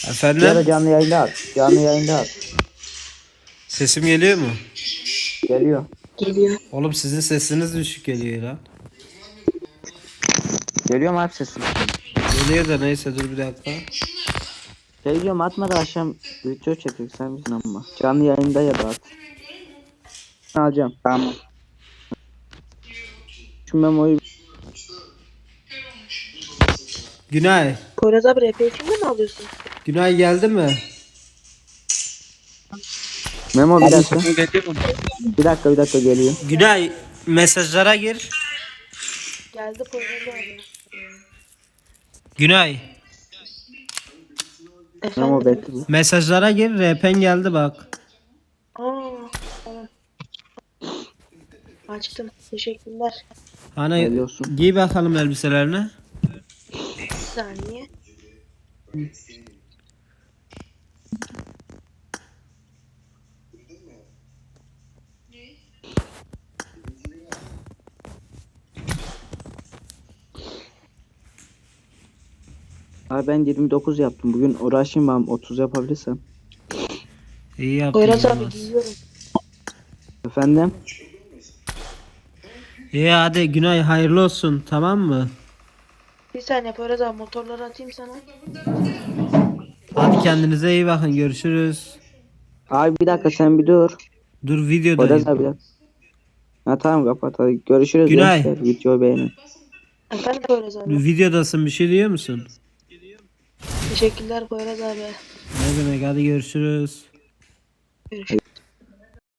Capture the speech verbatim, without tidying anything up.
Ya da Efendim? canlı yayında at. Canlı yayında at. Sesim geliyor mu? Geliyor. Geliyor. Oğlum sizin sesiniz düşük geliyor lan. Geliyor mu abi sesin? Geliyor da neyse dur bir dakika. Şey diyorum, atma da akşam video çekecek sen misin ama. Canlı yayında ya da at. Alacağım. Tamam. Şu memoyu Günay. Poyraz abi R P kimde mi alıyorsun? Günay geldi mi? memo bir Abi dakika. sesim geliyor mu? Bir dakika bir dakika geliyor. Günay mesajlara gir. Geldi Poyraz abi. Günay Memo Efendim? bekle. mesajlara gir. R P'n geldi bak. Aa, tamam. Açtım. Teşekkürler. Hani Hayırlı olsun. giy bakalım elbiselerini. Bir saniye. Abi ben yirmi dokuz yaptım. Bugün uğraşayım ben otuz yapabilirsem. İyi yaptın. Poyraz abi Yılmaz. giyiyorum. Efendim? İyi hadi Günay hayırlı olsun, tamam mı? Bir saniye Poyraz abi, motorları atayım sana. Hadi kendinize iyi bakın, görüşürüz. Abi bir dakika sen bir dur. Dur Poyraz videodayım. abi bir dakika. Ha tamam kapat hadi. Görüşürüz Günay. gençler. Videoyu beğenin. Efendim Poyraz abi. Videodasın, bir şey diyor musun? Teşekkürler Poyraz abi. Ne demek, hadi görüşürüz. Görüşürüz.